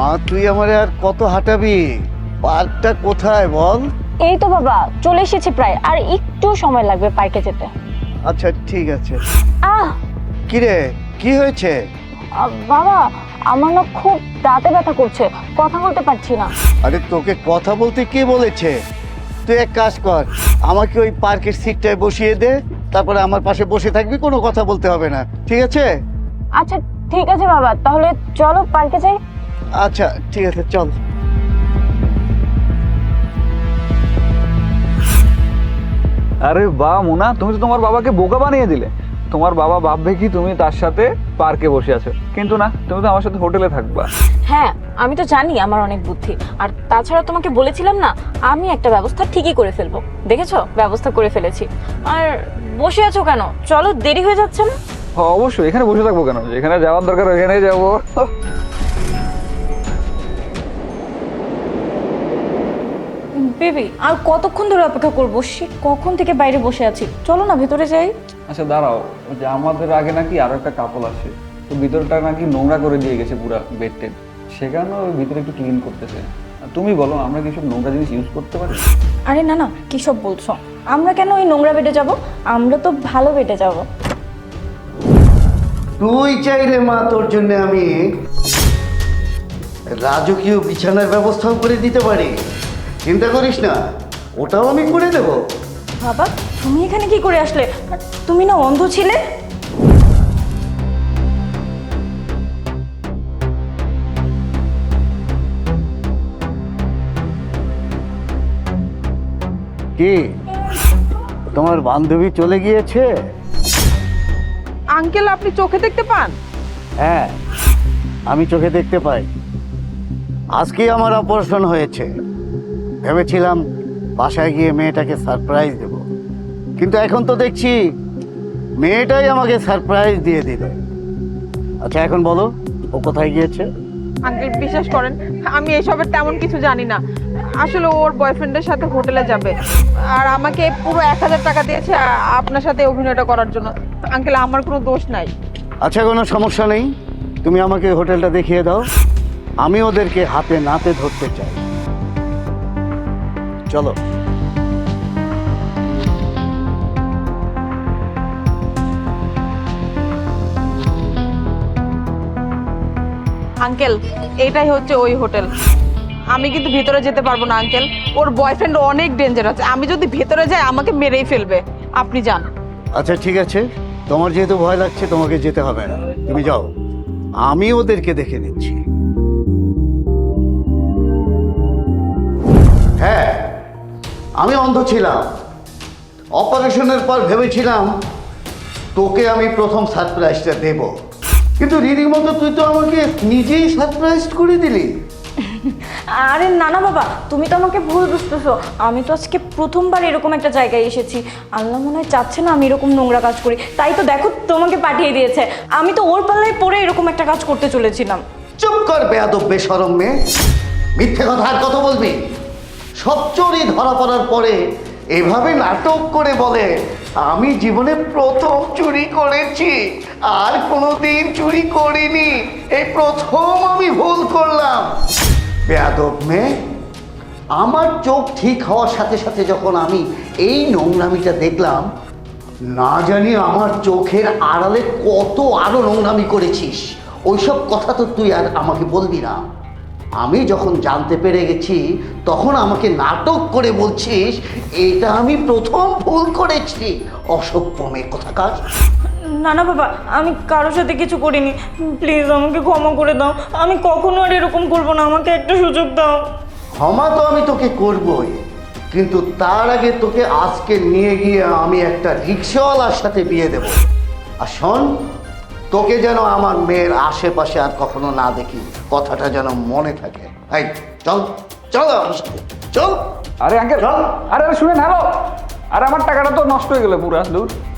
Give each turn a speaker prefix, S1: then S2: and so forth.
S1: মা তুই আমারে আর কত হাঁটাবি? পার্কটা কোথায় বল?
S2: এই তো বাবা চলে এসেছি প্রায়, আর একটু সময় লাগবে পার্কে যেতে।
S1: আচ্ছা ঠিক আছে।
S2: আহ
S1: কিরে কি হয়েছে?
S2: বাবা আমার না খুব দাঁতে ব্যথা করছে, কথা বলতে পারছি না।
S1: আরে তোকে কথা বলতে কে বলেছে? তুই এক কাজ কর, আমাকে ওই পার্কের সিটটায় বসিয়ে দে, তারপরে আমার পাশে বসে থাকবি, কোনো কথা বলতে হবে না, ঠিক আছে?
S2: আচ্ছা ঠিক আছে বাবা, তাহলে চলো পার্কে যাই।
S1: আচ্ছা ঠিক আছে চল।
S3: আরে বাহ মোনা, তুমি তো তোমার বাবাকে বোকা বানিয়ে দিলে। তোমার বাবা ভাববে কি তুমি তার সাথে পার্কে বসে আছো, কিন্তু না, তুমি তো আমার সাথে হোটেলে থাকবা।
S2: হ্যাঁ আমি তো জানি আমার অনেক বুদ্ধি, আর তাছাড়া তোমাকে বলেছিলাম না আমি একটা ব্যবস্থা ঠিকই করে ফেলবো। দেখেছো ব্যবস্থা করে ফেলেছি। আর বসে আছো কেন? চলো, দেরি হয়ে যাচ্ছে না?
S3: অবশ্যই, এখানে বসে থাকবো কেন? যেখানে যাওয়ার দরকার ওখানেই যাবো।
S2: বেবি আর কতক্ষণ ধরে অপেক্ষা করবো? সে কখন থেকে বাইরে বসে আছি, চলো না ভেতরে যাই।
S3: আচ্ছা দাঁড়াও, ওই যে আমাদের আগে নাকি আরো একটা কাপল আসে, তো ভিতরটা নাকি নোংরা করে দিয়ে গেছে পুরো বেড টেড, সেখানে ওই ভিতরে একটু ক্লিন করতেছে। তুমি বলো আমরা কি সব নোংরা জিনিস ইউজ করতে পারি?
S2: আরে না না, কি সব বলছো? আমরা কেন ওই নোংরা বেডে যাব? আমরা তো ভালো বেডে যাব।
S1: তুই চাইলে মা তোর জন্য আমি রাজকীয় বিছানার ব্যবস্থাও করে দিতে পারি, চিন্তা করিস না, ওটাও আমি করে দেব।
S2: বাবা তুমি এখানে কি করে আসলে? আর তুমি না অন্ধ ছিলে?
S1: কি তোমার বান্ধবী চলে গিয়েছে?
S4: আঙ্কেল আপনি চোখে দেখতে পান?
S1: হ্যাঁ আমি চোখে দেখতে পাই। আজকেই আমার অপারেশন হয়েছে, ভেবেছিলাম বাসায় গিয়ে মেয়েটাকে সারপ্রাইজ দেব, কিন্তু এখন তো দেখছি মেয়েটাই আমাকে সারপ্রাইজ দিয়ে দিল। আচ্ছা এখন বলো ও কোথায় গিয়েছে?
S4: আঙ্কেল বিশ্বাস করেন আমি এসবের তেমন কিছু জানি না। আসলে ওর বয়ফ্রেন্ডের সাথে হোটেলে যাবে, আর আমাকে পুরো 1000 টাকা দিয়েছে আপনার সাথে অভিনয়টা করার জন্য। আঙ্কেল আমার কোনো দোষ নাই।
S1: আচ্ছা কোনো সমস্যা নেই, তুমি আমাকে হোটেলটা দেখিয়ে দাও, আমি ওদেরকে হাতে নাতে ধরতে চাই। চলো।
S4: আঙ্কেল এইটাই হচ্ছে ওই হোটেল। আমি কিন্তু ভিতরে যেতে পারবো না আঙ্কেল, ওর বয়ফ্রেন্ড অনেক ডেঞ্জার আছে, আমি যদি ভেতরে যাই আমাকে মেরেই ফেলবে। আপনি যান।
S1: আচ্ছা ঠিক আছে, তোমার যেহেতু ভয় লাগছে তোমাকে যেতে হবে না, তুমি যাও, আমি ওদেরকে দেখে নিচ্ছি। হ্যাঁ আমি অন্ধ ছিলাম, অপারেশনের পর ভেবেছিলাম তোকে আমি প্রথম সারপ্রাইজটা দেব, কিন্তু রীতিমতো তুই তো আমাকে নিজেই সারপ্রাইজ করে দিলি।
S2: আরে না না বাবা, তুমি তো আমাকে ভুল বুঝতেছো। আমি তো আজকে প্রথমবার এরকম একটা জায়গায় এসেছি। আল্লাহ মনে হয় চাচ্ছে না আমি এরকম নোংরা কাজ করি, তাই তো দেখো তোমাকে পাঠিয়ে দিয়েছে। আমি তো ওর পাল্লায় পড়ে এরকম একটা কাজ করতে চলেছিলাম।
S1: চুপ কর বেয়াদব বেশরম মেয়ে, মিথ্যে কথা আর কত বলবি? সব চোরই ধরা পড়ার পরে এভাবে নাটক করে বলে আমি জীবনে প্রথম চুরি করেছি, আর কোনোদিন চুরি করিনি, এই প্রথম আমি ভুল করলাম। বেয়াদব মেয়ে, আমার চোখ ঠিক হওয়ার সাথে সাথে যখন আমি এই নোংরামিটা দেখলাম, না জানি আমার চোখের আড়ালে কত আরো নোংরামি করেছিস, ওইসব কথা তো তুই আর আমাকে বলবি না। আমি যখন জানতে পেরে গেছি তখন আমাকে নাটক করে বলছিস এটা আমি প্রথম ভুল করেছি। অসভ্য মেয়ে কোথাকার।
S2: না না বাবা, আমি কারোর সাথে কিছু করিনি, প্লিজ আমাকে ক্ষমা করে দাও। আমি কখনো আর এরকম করবো না, আমাকে একটা সুযোগ দাও।
S1: ক্ষমা তো আমি তোকে করবই, কিন্তু তার আগে তোকে আজকে নিয়ে গিয়ে আমি একটা রিক্সাওয়ালার সাথে বিয়ে দেব। আর শোন, তোকে যেন আমার মেয়ের আশেপাশে আর কখনো না দেখি, কথাটা যেন মনে থাকে। এই চল চল আমার সাথে চল।
S3: আরে আঙ্কেল,
S1: চল।
S3: আরে আরে শুনেন, হ্যালো, আরে আমার টাকাটা তো নষ্ট হয়ে গেল পুরা, দূর।